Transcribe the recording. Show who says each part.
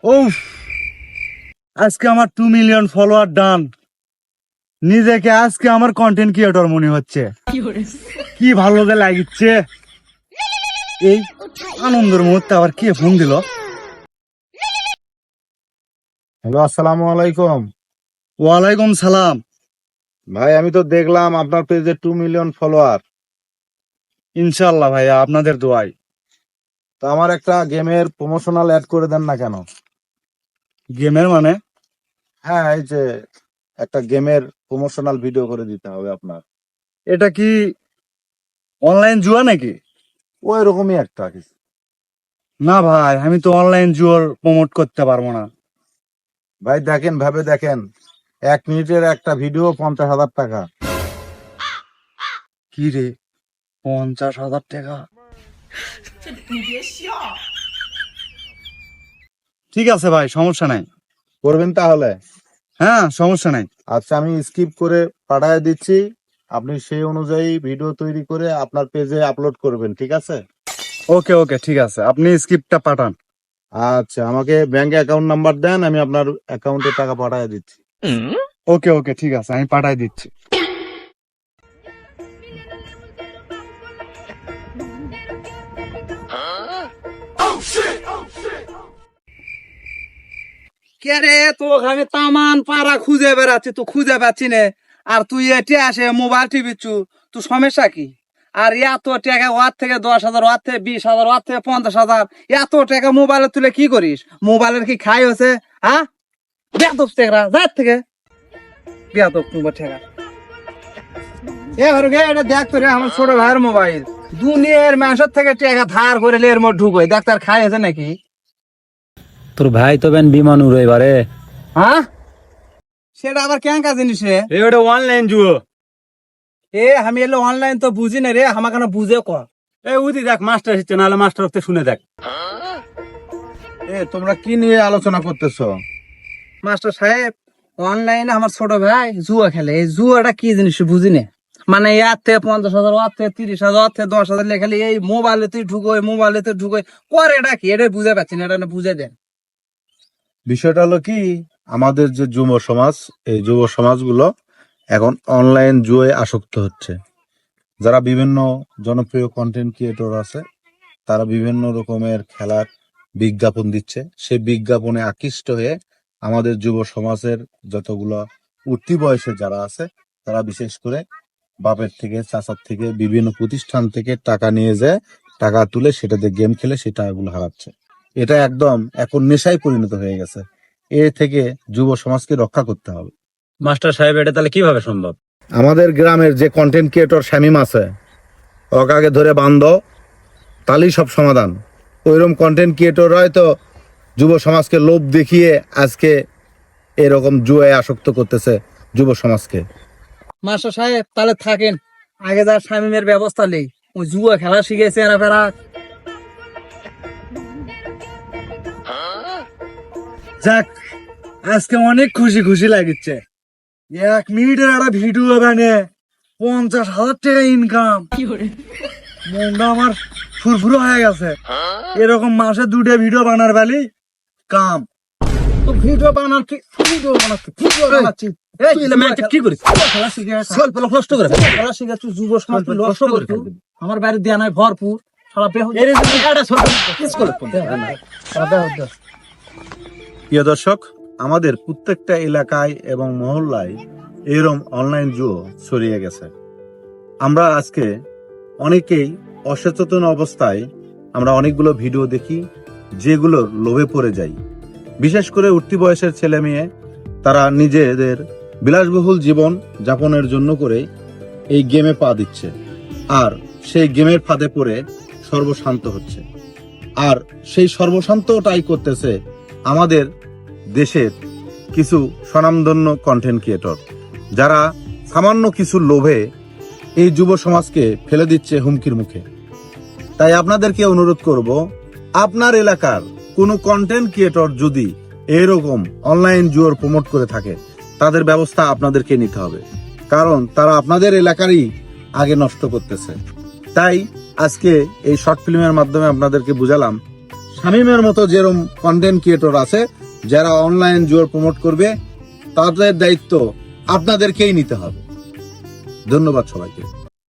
Speaker 1: উফ, আজকে আমার 2 মিলিয়ন ফলোয়ার ডান। নিজেকে আজকে আমার কন্টেন্ট ক্রিয়েটর মনে হচ্ছে। কি ভালো যে লাগছে। এই আনন্দের মুহূর্তে আবার কে ফোন দিল?
Speaker 2: হ্যালো, আসসালামু আলাইকুম।
Speaker 1: ওয়ালাইকুম সালাম।
Speaker 2: ভাই, আমি তো দেখলাম আপনার পেজে 2 মিলিয়ন ফলোয়ার।
Speaker 1: ইনশাল্লাহ ভাইয়া, আপনাদের দোয়াই।
Speaker 2: তো আমার একটা গেমের প্রমোশনাল অ্যাড করে দেন না কেন?
Speaker 1: গেমের মানে?
Speaker 2: হ্যাঁ, এই যে একটা গেমের প্রমোশনাল ভিডিও করে দিতে হবে আপনার।
Speaker 1: এটা কি অনলাইন জুয়া নাকি?
Speaker 2: ওই রকমই একটা কিছু।
Speaker 1: না ভাই, আমি তো অনলাইন জুয়ার প্রমোট করতে পারবো না।
Speaker 2: ভাই দেখেন, ভাবে দেখেন, 1 মিনিটের একটা ভিডিও 50,000 টাকা।
Speaker 1: কি রে, 50,000 টাকা? ঠিক আছে ভাই, সমস্যা নাই।
Speaker 2: করবেন তাহলে?
Speaker 1: হ্যাঁ, সমস্যা নাই।
Speaker 2: আচ্ছা, আমি স্কিপ করে পাঠিয়ে দিচ্ছি। আপনি সেই অনুযায়ী ভিডিও তৈরি করে আপনার পেজে আপলোড করবেন, ঠিক আছে?
Speaker 1: ওকে ওকে, ঠিক আছে, আপনি স্ক্রিপ্টটা পাঠান।
Speaker 2: আচ্ছা, আমাকে ব্যাংক অ্যাকাউন্ট নাম্বার দেন, আমি আপনার অ্যাকাউন্টে টাকা পাঠিয়ে দিচ্ছি।
Speaker 1: ওকে ওকে, ঠিক আছে, আমি পাঠাই দিচ্ছি। কে রে, তোকে আমি তামান পাড়া খুঁজে বেড়াচ্ছি, তুই খুঁজে পাচ্ছি না। আর তুই এটি আসে মোবাইল টিপিচ্ছু, তুই সমস্যা কি? আর এত টাকা ওয়ার থেকে 10,000, ওয়ার থেকে 20,000, ওয়ার থেকে 50,000, এত টাকা মোবাইলে তুলে কি করিস? মোবাইলের কি খাই হয়েছে? হ্যাঁ, বেয়াদব টেকরা, যার থেকে বেয়াদব তোমার ঠেকা। এবার এটা দেখ তো রে, আমার ছোট ভাইয়ের মোবাইল। দুনিয়ার মানুষের থেকে টাকা ধার করে এর মধ্যে ঢুকোয়, ডাক্তার খাই আছে নাকি?
Speaker 3: তোর ভাই তো বেন বিমান উড়ে এবারে।
Speaker 1: হ্যাঁ, সেটা আবার কেন জিনিস রে?
Speaker 3: ওটা অনলাইন জুয়ো।
Speaker 1: এ আমি এলো অনলাইন তো বুঝি না রে, আমার কেন বুঝে কর।
Speaker 3: এই উদি দেখ, মাস্টার এসেছে, নাহলে মাস্টার ওকে শুনে দেখ।
Speaker 2: তোমরা কি নিয়ে আলোচনা করতেছো?
Speaker 1: মাস্টার সাহেব, অনলাইনে আমার ছোট ভাই জুয়া খেলে। এই জুয়াটা কি জিনিস বুঝি না। মানে ইয়ার থেকে 50,000, ওয়ার থেকে 30,000, ওয়ার থেকে 10,000 লেখালে এই মোবাইলে তুই ঢুকোয়, মোবাইলে তুই ঢুকোয় করে। এটা কি? এটা বুঝে পাচ্ছি না, এটা না বুঝে দেন।
Speaker 2: বিষয়টা হলো কি, আমাদের যে যুব সমাজ, এই যুব সমাজগুলো এখন অনলাইন জুয়ে আসক্ত হচ্ছে। যারা বিভিন্ন জনপ্রিয় কন্টেন্ট ক্রিয়েটর আছে, তারা বিভিন্ন রকমের খেলার বিজ্ঞাপন দিচ্ছে। সেই বিজ্ঞাপনে আকৃষ্ট হয়ে আমাদের যুব সমাজের যতগুলো উঠতি বয়সে যারা আছে, তারা বিশেষ করে বাপের থেকে, চাচার থেকে, বিভিন্ন প্রতিষ্ঠান থেকে টাকা নিয়ে যায়, টাকা তুলে সেটাতে গেম খেলে সেই টাকাগুলো হারাচ্ছে। এটা একদম এখন নেশায় পরিণত হয়ে গেছে। এ থেকে যুব সমাজকে রক্ষা করতে হবে।
Speaker 3: মাস্টার সাহেব, এটা তাহলে কিভাবে সম্ভব?
Speaker 2: আমাদের গ্রামের যে কন্টেন্ট ক্রিয়েটর শামিম আছে, ওকে আগে ধরে বান্ধ, তাহলেই সব সমাধান। ওইরকম কন্টেন্ট ক্রিয়েটর হয়তো যুব সমাজকে লোভ দেখিয়ে আজকে এরকম জুয়ায় আসক্ত করতেছে যুব সমাজকে।
Speaker 1: মাস্টার সাহেব তাহলে থাকেন, আগে যা শামিমের ব্যবস্থা নেই। ওই জুয়া খেলা শিখেছে এরা ফেরা। যাক, আজকে অনেক খুশি খুশি লাগছে। 1 মিনিটের একটা ভিডিও বানিয়ে 50,000 টাকা ইনকাম। মনটা আমার ফুরফুরো হয়ে গেছে। এরকম মাসে 2টা ভিডিও বানার বেলি কাম। তো ভিডিও বানাচ্ছি, ভিডিও বানাচ্ছি, ভিডিও বানাচ্ছি। এই
Speaker 3: তুই এলে ম্যাচে কি করিস?
Speaker 1: খেলা শিখে
Speaker 3: স্বল্প লোক নষ্ট করে ফেলে।
Speaker 1: খেলা শিখে তুই যুব সমাজ
Speaker 3: স্বল্প
Speaker 1: নষ্ট
Speaker 3: কষ্ট করে
Speaker 1: করছিস।
Speaker 3: ফেলবি।
Speaker 1: আমার বাড়ির দেয়া নাই ভরপুর। শালা
Speaker 3: এর এই যে এটা স্বল্প কিস করে ফেলবি।
Speaker 2: প্রিয় দর্শক, আমাদের প্রত্যেকটা এলাকায় এবং মহল্লায় এরকম অনলাইন জুয়ো ছড়িয়ে গেছে। আমরা আজকে অনেকেই অসচেতন অবস্থায় আমরা অনেকগুলো ভিডিও দেখি, যেগুলোর লোভে পড়ে যাই। বিশেষ করে উঠতি বয়সের ছেলে মেয়ে, তারা নিজেদের বিলাসবহুল জীবন যাপনের জন্য করে এই গেমে পা দিচ্ছে, আর সেই গেমের ফাঁদে পড়ে সর্বশান্ত হচ্ছে। আর সেই সর্বশান্তটাই করতেছে আমাদের দেশের কিছু স্বনামধন্য কন্টেন্ট ক্রিয়েটর, যারা সামান্য কিছু লোভে এই যুব সমাজকে ফেলে দিচ্ছে হুমকির মুখে। তাই আপনাদেরকে অনুরোধ করব, আপনার এলাকার কোনো কন্টেন্ট ক্রিয়েটর যদি এরকম অনলাইন জুয়ার প্রমোট করে থাকে, তাদের ব্যবস্থা আপনাদেরকে নিতে হবে, কারণ তারা আপনাদের এলাকারই আগে নষ্ট করতেছে। তাই আজকে এই শর্ট ফিল্মের মাধ্যমে আপনাদেরকে বুঝালাম, শামীমের মতো যেরকম কন্টেন্ট ক্রিয়েটর আছে যারা অনলাইন জুয়া প্রমোট করবে, তাদের দায়িত্ব আপনাদেরকেই নিতে হবে। ধন্যবাদ সবাইকে।